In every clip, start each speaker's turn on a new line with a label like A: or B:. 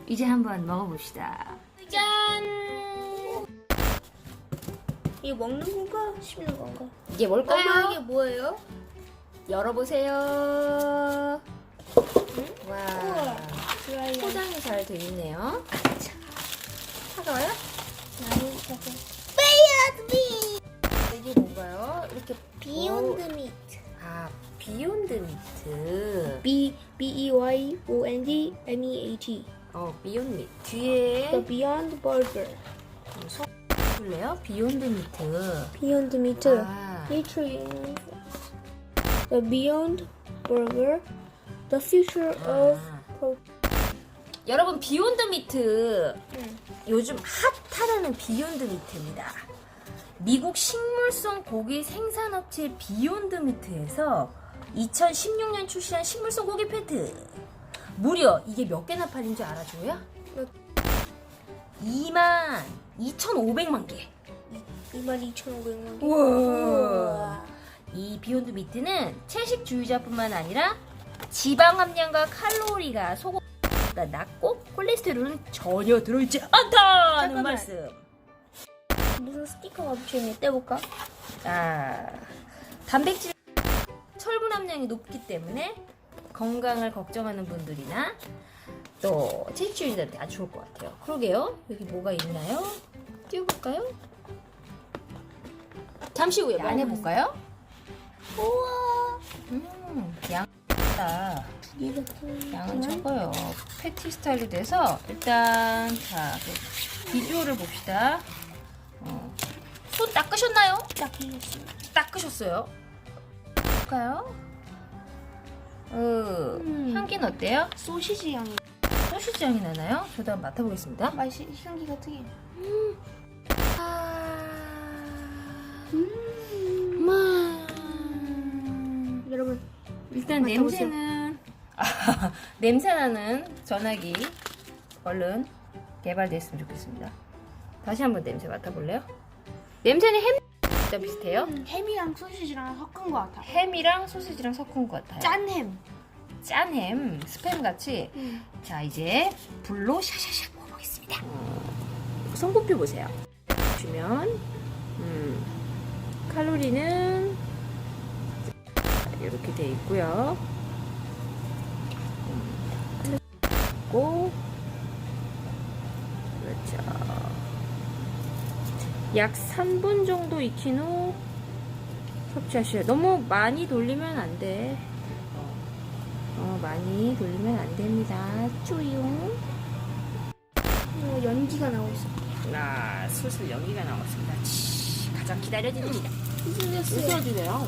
A: 이제 한번 먹어봅시다. 짠!
B: 이게 먹는 건가? 씹는 건가?
A: 이게 뭘까요?
B: 엄마 이게 뭐예요?
A: 열어보세요. 와,
B: 드라이어.
A: 포장이 잘 돼 있네요. 차가워요?
B: 많이 먹어. 베이어드
A: 이게 뭔가요? 이렇게
B: 비욘드 미트.
A: 아, 비욘드 미트.
B: B-E-Y-O-N-D M-E-A-T.
A: 비욘드 미트. 뒤에
B: The Beyond Burger.
A: 볼래요? 비욘드 미트.
B: Beyond Meat.
A: 아.
B: Featuring the Beyond Burger. The future of
A: 여러분, 비욘드 미트
B: 응.
A: 요즘 핫하다는 비욘드 미트입니다. 미국 식물성 고기 생산업체 비욘드 미트에서 2016년 출시한 식물성 고기 패트. 무려 이게 몇 개나 팔린 줄 알아줘요? 22,500만 개.
B: 22,500만 개.
A: 우와. 이 비욘드 미트는 채식주의자뿐만 아니라 지방 함량과 칼로리가 소고기보다 낮고 콜레스테롤은 전혀 들어있지 않다는
B: 잠깐만.
A: 말씀.
B: 무슨 스티커가 붙여있네. 떼볼까?
A: 단백질, 철분 함량이 높기 때문에 건강을 걱정하는 분들이나 또 채식주의자한테 아주 좋을 것 같아요. 그러게요. 여기 뭐가 있나요? 띄워볼까요? 잠시 후에 안에 볼까요?
B: 우와.
A: 양다. 양은 적어요. 패티 스타일로 돼서 일단 자 비주얼을 봅시다. 손 닦으셨나요?
B: 딱 이겼어요.
A: 닦으셨어요? 볼까요? 향기는 어때요?
B: 소시지 향이.
A: 소시지 향이 나나요? 저도 한번 맡아보겠습니다.
B: 맛이 향기가 특이해. 여러분
A: 일단
B: 맡아보세요.
A: 냄새는 냄새나는 전화기 얼른 개발됐으면 좋겠습니다. 다시 한번 냄새 맡아볼래요? 냄새는 햄 비슷해요?
B: 햄이랑 소시지랑 섞은 것 같아.
A: 햄이랑 소시지랑 섞은 것 같아요.
B: 짠 햄.
A: 짠 햄, 스팸 같이. 자, 이제 불로 샤샤샥 먹어보겠습니다. 성분표 보세요. 보시면 칼로리는 이렇게 돼 있고요. 그렇죠. 약 3분 정도 익힌 후 섭취하셔요. 너무 많이 돌리면 안 돼. 많이 돌리면 안 됩니다. 쪼용.
B: 연기가 나오고 있어.
A: 슬슬 연기가 나왔습니다. 가장 기다려지는 시간.
B: 웃어주세요.
A: 웃어주세요.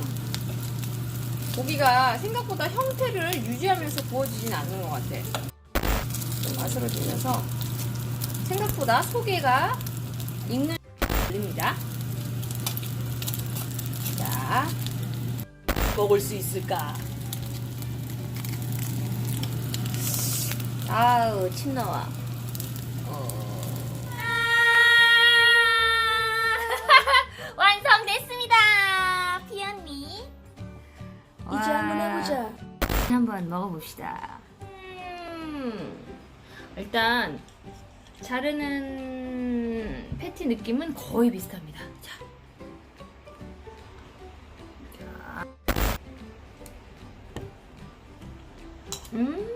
A: 고기가 생각보다 형태를 유지하면서 구워지진 않는 것 같아. 좀 아스러지면서 생각보다 소개가 익는 걸립니다. 자, 먹을 수 있을까? 아우, 침 나와. 완성됐습니다. 피언니.
B: 이제 한번 해보자.
A: 한번 먹어봅시다. 일단 자르는 패티 느낌은 거의 비슷합니다. 자. 자.